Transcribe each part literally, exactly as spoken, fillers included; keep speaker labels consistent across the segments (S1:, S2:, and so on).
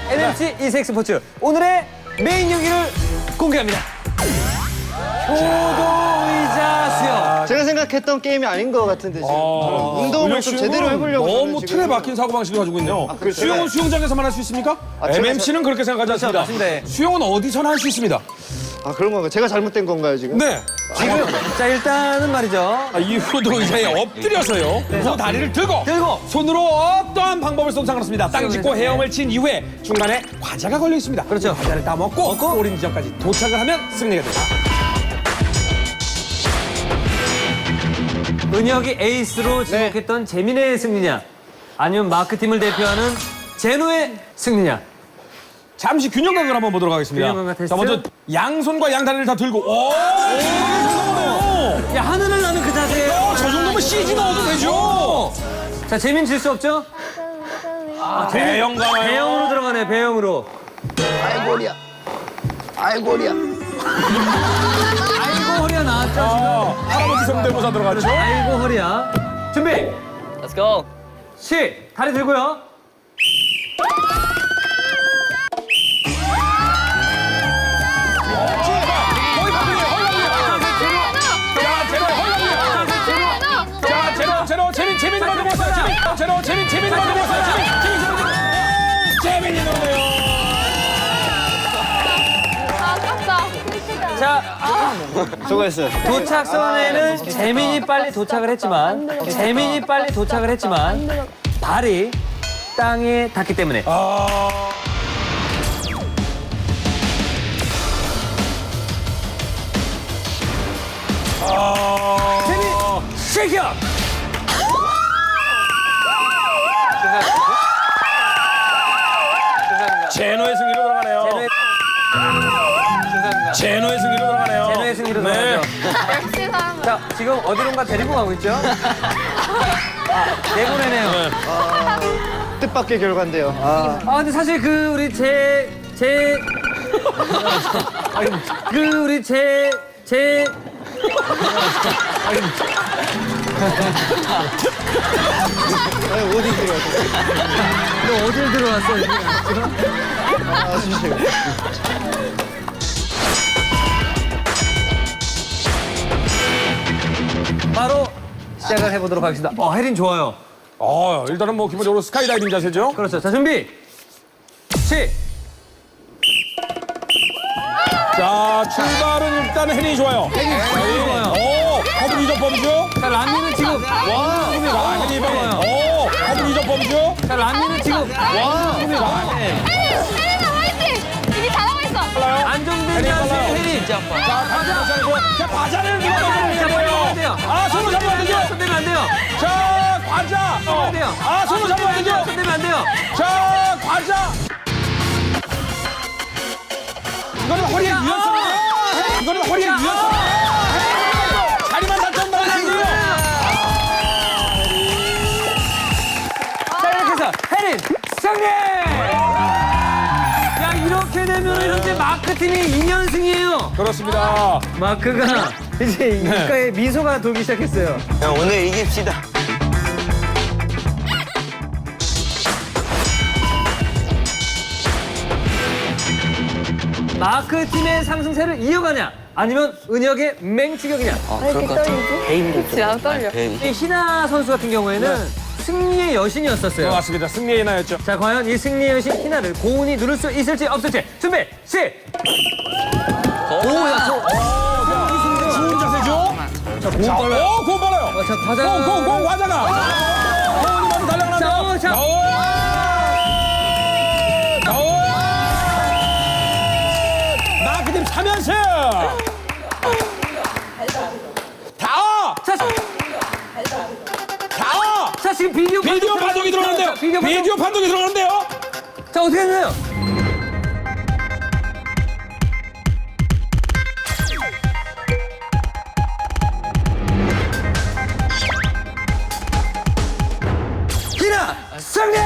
S1: 엠엠씨 이색스포츠 오늘의 메인 경기를 공개합니다. 효도의자 수영.
S2: 제가 생각했던 게임이 아닌 것 같은데 지금 저는 운동을 좀 제대로 해보려고
S3: 너무
S2: 저는 지금
S3: 틀에 박힌 사고방식을 가지고 있네요.
S2: 그래요?
S3: 수영은 수영장에서만 할 수 있습니까?
S2: 아, 제가
S3: 엠엠씨는 그렇게 생각하지 않습니다.
S1: 맞습니다.
S3: 수영은 어디서나 할 수 있습니다.
S2: 아 그런 건가요? 제가 잘못된 건가요 지금?
S3: 네.
S1: 지금 자 일단은 말이죠.
S3: 아, 이 효도의자에 엎드려서요. 그 다리를 들고
S1: 들고
S3: 손으로 어떠한 방법을 써도 상관없습니다. 땅 짚고
S1: 수영을
S3: 헤엄을 친 이후에 중간에 과자가 걸려 있습니다.
S1: 그렇죠.
S3: 과자를 따먹고 골인 지점까지 도착을 하면 승리가 됩니다.
S1: 은혁이 에이스로 지목했던 재민의 승리냐 아니면 마크팀을 대표하는 제노의 승리냐.
S3: 잠시 균형 감각을 한번 보도록 하겠습니다.
S1: 균형 감각 테스트.
S3: 자, 먼저 양손과 양다리를 다 들고 오!
S1: 야 하늘을 나는 그 자세예요.
S3: 어, 저 정도면 씨지 넣어도 되죠.
S1: 자 재민 질 수 없죠?
S3: 대형 가요.
S1: 배영으로 들어가네 배영으로.
S2: 아이고리야 아이고리야
S1: 아이고 허리야 나왔죠 지금.
S3: 어, 할아버지 성대모사 들어갔죠?
S1: 아이고 허리야. 준비.
S4: Let's go.
S1: 시 다리 들고요.
S3: 거의 바뀌네요. 자, 제로, 제로, 재민, 재민이 먼저 먹었어요. 재민, 제로, 재민, 재민이 먼저 먹었어요. 재민, 재민, 재민, 재민이 넣네요.
S1: 자
S2: 수고했어요.
S1: 도착선에는 재민이 빨리 도착을 했지만 재민이 빨리 도착을 했지만 발이 땅에 닿기 때문에
S3: 아, 아,
S1: 재민 쉐이크업.
S3: 제노의 승리로 들어가네요.
S1: 제노의,
S3: 제노의 승리로 들어가네요.
S1: 제노의 승리로
S3: 네.
S1: 들어가죠.
S5: 역시 사람.
S1: 자 지금 어디론가 데리고 가고 있죠? 아, 내보내네요.
S2: 뜻밖의 결과인데요. 아,
S1: 아 근데 사실 그 우리 제 제 그 우리 제제
S2: 아니, 어디 들어갔어요?
S1: 너 어딜 들어왔어?
S2: 아, 진짜.
S1: 바로 시작을 해보도록 하겠습니다. 어 혜린 좋아요.
S3: 어, 일단은 뭐 기본적으로 스카이다이빙 자세죠.
S1: 그렇죠. 자 준비. 시.
S3: 자, 출발은 일단 혜린이 좋아요. 혜린이
S1: 좋아요.
S3: 오, 허블 이적 범주.
S1: 자 란니는 지금 와.
S3: 자, 혜린이 방. 오, 허블 이적 범주.
S1: 자 란니는 지금 와.
S5: 혜린아 화이팅! 이미 잘하고 있어.
S1: 안정된 자세 혜린.
S3: 자, 과자 잡고. 자, 과자를 누가
S1: 자,
S3: 먹어요?
S1: 안 돼요.
S3: 아, 손으로 잡으면 안 되죠?
S1: 손대면 안 돼요.
S3: 자, 과자. 어.
S1: 안 돼요.
S3: 아, 손으로 잡으면 안 되죠?
S1: 손대면 안 돼요.
S3: 자, 과자. 이거는 허리에 유연성이에요. 이거는 허리에 유연성. 다리만 다쳤다.
S1: 자 이렇게 해서 혜린 승리. 야 이렇게 되면 현재 마크 팀이 이 연승이에요.
S3: 그렇습니다.
S1: 마크가 이제 입가에 미소가 돌기 시작했어요.
S4: 오늘 이깁시다.
S1: 마크 팀의 상승세를 이어가냐 아니면 은혁의 맹추격이냐.
S5: 왜 이렇게 떨리지? 그치, 나도 떨려.
S1: 이 희나 선수 같은 경우에는 승리의 여신이었었어요.
S3: 맞습니다. 승리의 나였죠.
S1: 자 과연 이 승리의 여신 희나를 고운이 누를 수 있을지 없을지 준비 시. 오야 저.
S3: 좋은 자세죠?
S1: 자 고운 빨라요.
S3: 오, 공 빨라요.
S1: 어, 자 과자.
S3: 공, 공, 공, 과자가. 공이 먼저 달려가는데요.
S1: 자, 어, 자.
S3: 마크팀 삼 연승! 다!
S1: 자,
S3: 다!
S1: 자 지금 비디오
S3: 비디오
S1: 판독
S3: 판독이 들어가는데요.
S1: 자, 비디오 판독.
S3: 비디오 판독이 들어가는데요.
S1: 자 어떻게 했나요? 희나 승리!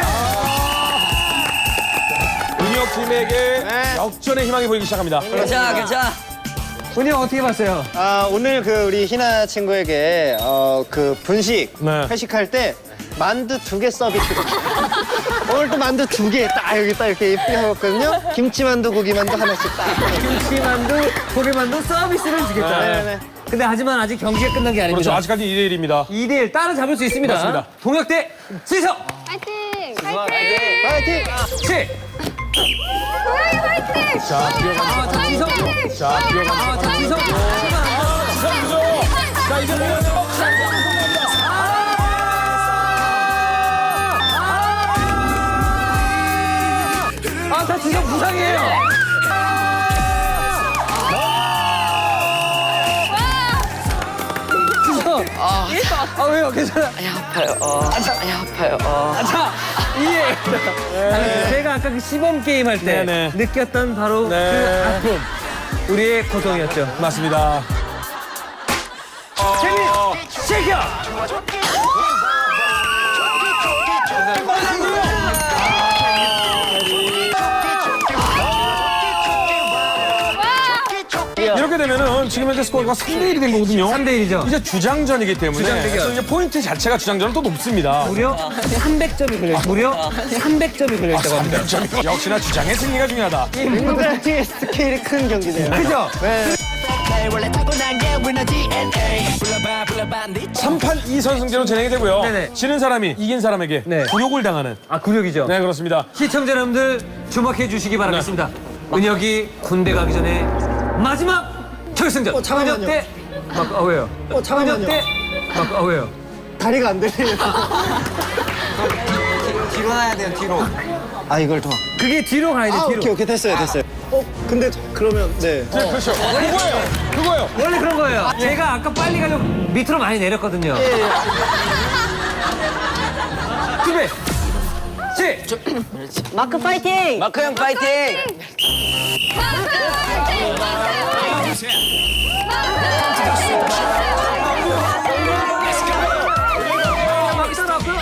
S3: 은혁 팀에게 역전의 희망이 보이기 시작합니다.
S4: 괜찮아, 괜찮아.
S1: 은혁 어떻게 봤어요?
S2: 아, 오늘 그 우리 희나 친구에게 어, 그 분식
S3: 네.
S2: 회식할 때 만두 두 개 서비스. 오늘 또 만두 두 개 딱 여기 딱 이렇게 예쁘게 하거든요. 김치만두, 고기만두 하나씩 딱.
S1: 김치만두, 고기만두 서비스를 주겠다.
S2: 네네.
S1: 근데 하지만 아직 경기가 끝난 게
S3: 그렇죠.
S1: 아닙니다.
S3: 아직까지 이 대 일입니다.
S1: 이 대 일 따라잡을 수 있습니다.
S3: 맞습니다.
S1: 동혁 대 지성.
S5: 파이팅! 파이팅!
S2: 파이팅!
S1: 칠.
S5: 고양이 파이팅!
S3: 자, 뛰어가.
S1: 아, 자, 지성.
S3: 자, 뛰어가.
S1: 아, 자, 지성.
S3: 지성이죠. 자, 이제 보면서.
S1: 아, 자, 지성 부상이에요. 지성. 아, 아 왜요? 괜찮아.
S4: 아파요. 어. 아니 아파요. 어.
S1: 자, 이해. 제가 아까 그 시범 게임 할 때
S3: 네네.
S1: 느꼈던 바로
S3: 네.
S1: 그 아픔. 우리의 고통이었죠.
S3: 맞습니다.
S1: 재민, 쉐이켜!
S3: 이렇게 되면은 지금 현재 스코어가 삼 대 일이 된 거거든요.
S1: 삼 대 일이죠.
S3: 이제 주장전이기 때문에
S1: 주장 대결.
S3: 또 이제 포인트 자체가 주장전은 또 높습니다.
S1: 무려 삼백 점이 걸려 있 무려 삼백 점이 걸려 있다고 합니다.
S3: 삼 점. 역시나 주장의 승리가 중요하다.
S2: 굉장히 스케일이 큰 경기네요.
S1: 그죠?
S2: 네.
S3: 삼 판 이 선승제로 진행이 되고요.
S1: 네네.
S3: 지는 사람이 이긴 사람에게
S1: 네.
S3: 굴욕을 당하는.
S1: 아, 굴욕이죠.
S3: 네, 그렇습니다.
S1: 시청자 여러분들 주목해 주시기 바라겠습니다. 은혁이 군대 가기 전에 마지막 결승전.
S2: 어, 잠깐만요.
S1: 은혁 대 막, 아, 왜요?
S2: 어, 잠깐만요.
S1: 은혁 대 막, 아, 왜요?
S2: 다리가 안 들리네요.
S4: 뒤로 나야 돼요. 뒤로.
S2: 아, 이걸 더.
S1: 그게 뒤로 가야 돼,
S2: 아,
S1: 뒤로.
S2: 오케이, 오케이. 됐어요, 됐어요. 어, 근데 그러면, 네.
S3: 네, 그렇죠. 그거예요. 그거예요.
S1: 원래 그런 거예요. 제가 아까 빨리 가려고 밑으로 많이 내렸거든요.
S2: 예, 예.
S1: 준비. 시.
S4: 마크 파이팅. 마크 형 파이팅.
S1: 막 따라왔고요.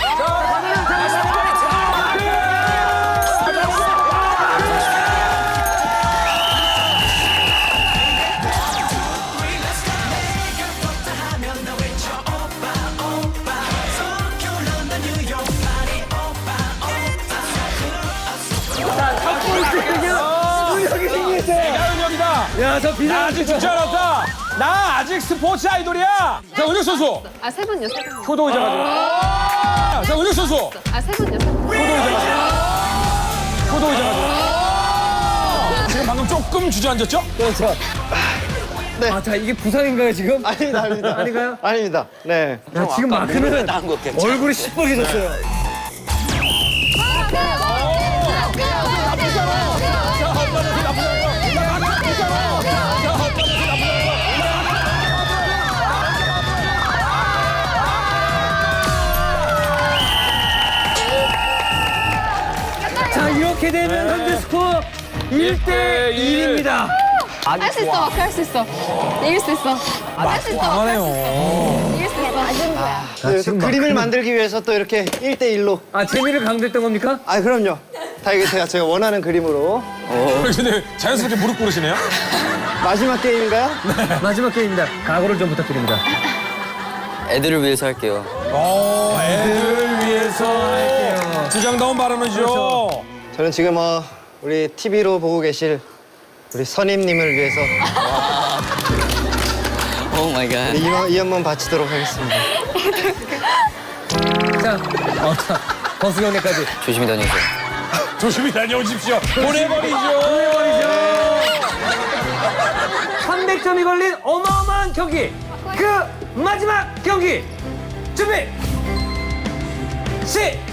S3: 내가 은혁이다.
S1: 야, 저
S3: 나
S1: 비상.
S3: 아직 죽지 않았다. 나 아직 스포츠 아이돌이야. 자, 은혁 선수.
S5: 아, 세 분요, 세 분.
S3: 효도 의자 가지고. 자, 은혁 선수.
S5: 아, 세 분요, 세 분.
S3: 효도 의자 가지고. 효도 의자 가지고. 지금 방금 조금 주저앉았죠?
S2: 그렇죠.
S1: 아, 자, 이게 부상인가요, 지금?
S2: 아닙니다, 아닙니다.
S1: 아닌가요?
S2: 아닙니다. 네.
S1: 야, 지금 마크는
S4: 나은 것 같아.
S1: 얼굴이 시뻘개졌어요. 자, 이렇게 되면 현재 스코어 일 대 일입니다.
S5: 할 수 있어, 마크 할 수 있어. 이길 수 있어. 할 수 있어, 마크 할수 있어. 이길 수 있어. 맞은 거야.
S2: 그래서
S1: 지금
S2: 그림을
S1: 마크는-
S2: 만들기 위해서 또 이렇게 일 대 일로.
S1: 아, 재미를 강조했던 겁니까?
S2: 아, 그럼요. 다 이게 제가, 제가 원하는 그림으로.
S3: 근데 자연스럽게 무릎 꿇으시네요.
S2: 마지막 게임인가요?
S1: 마지막 게임입니다. 각오를 좀 부탁드립니다.
S4: 애들을 위해서 할게요.
S3: 어, 애들을 위해서 주장다운 발언이죠.
S2: 저는 지금 어, 우리 티비로 보고 계실 우리 선임님을 위해서
S4: 오 마이 갓.
S2: 이, 한- 이 한번 바치도록 하겠습니다.
S1: 자, 어, 자, 버스경례까지.
S4: 조심히 다니세요.
S3: 조심히 다녀오십시오. 보내버리죠.
S1: 삼백 점이 걸린 어마어마한 경기. 그 마지막 경기. 준비. 시.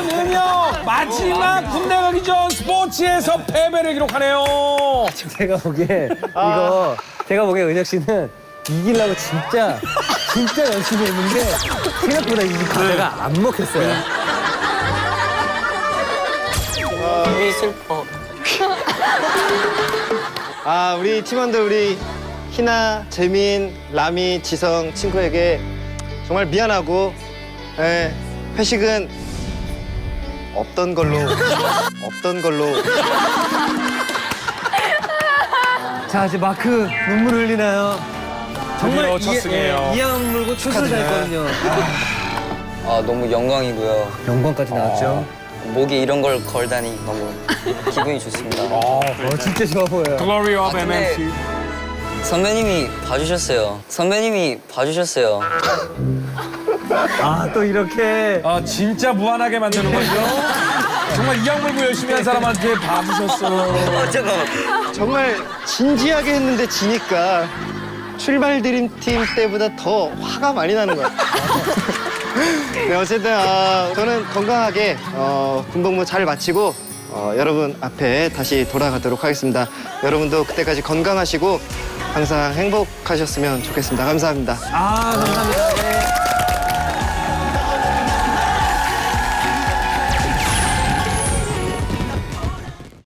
S3: 전은혁 마지막 군대 가기 전 스포츠에서 패배를 기록하네요.
S1: 제가 보기에 이거 제가 보기에 은혁 씨는 이기려고 진짜 진짜 열심히 했는데 생각보다 이 과제가 안 먹혔어요.
S4: 되게 슬퍼.
S2: 아, 우리 팀원들 우리 희나, 재민, 라미, 지성 친구에게 정말 미안하고 예, 회식은 없던 걸로 없던 걸로
S1: 자 이제 마크 눈물 흘리나요?
S3: 드디어
S1: 이-
S3: 첫 승이에요.
S1: 예, 이양 물고 출소를 잘했거든요.
S4: 아, 너무 영광이고요.
S1: 영광까지 나왔죠.
S4: 목에 이런 걸 걸다니 너무 기분이 좋습니다.
S1: 어 진짜 좋아 보여요.
S3: Glory of
S4: 아, 근데-
S3: 엠엠씨.
S4: 선배님이 봐주셨어요. 선배님이 봐주셨어요.
S1: 아 또 이렇게
S3: 아 진짜 무한하게 만드는 거죠. 정말 이악 물고 열심히 한 사람한테 봐주셨어.
S4: 어, 잠깐만.
S2: 정말 진지하게 했는데 지니까 출발 드림팀 때보다 더 화가 많이 나는 것 같아요. 네, 어쨌든 아, 저는 건강하게 어, 군복무 잘 마치고 어, 여러분 앞에 다시 돌아가도록 하겠습니다. 여러분도 그때까지 건강하시고 항상 행복하셨으면 좋겠습니다. 감사합니다.
S1: 아 감사합니다. 네.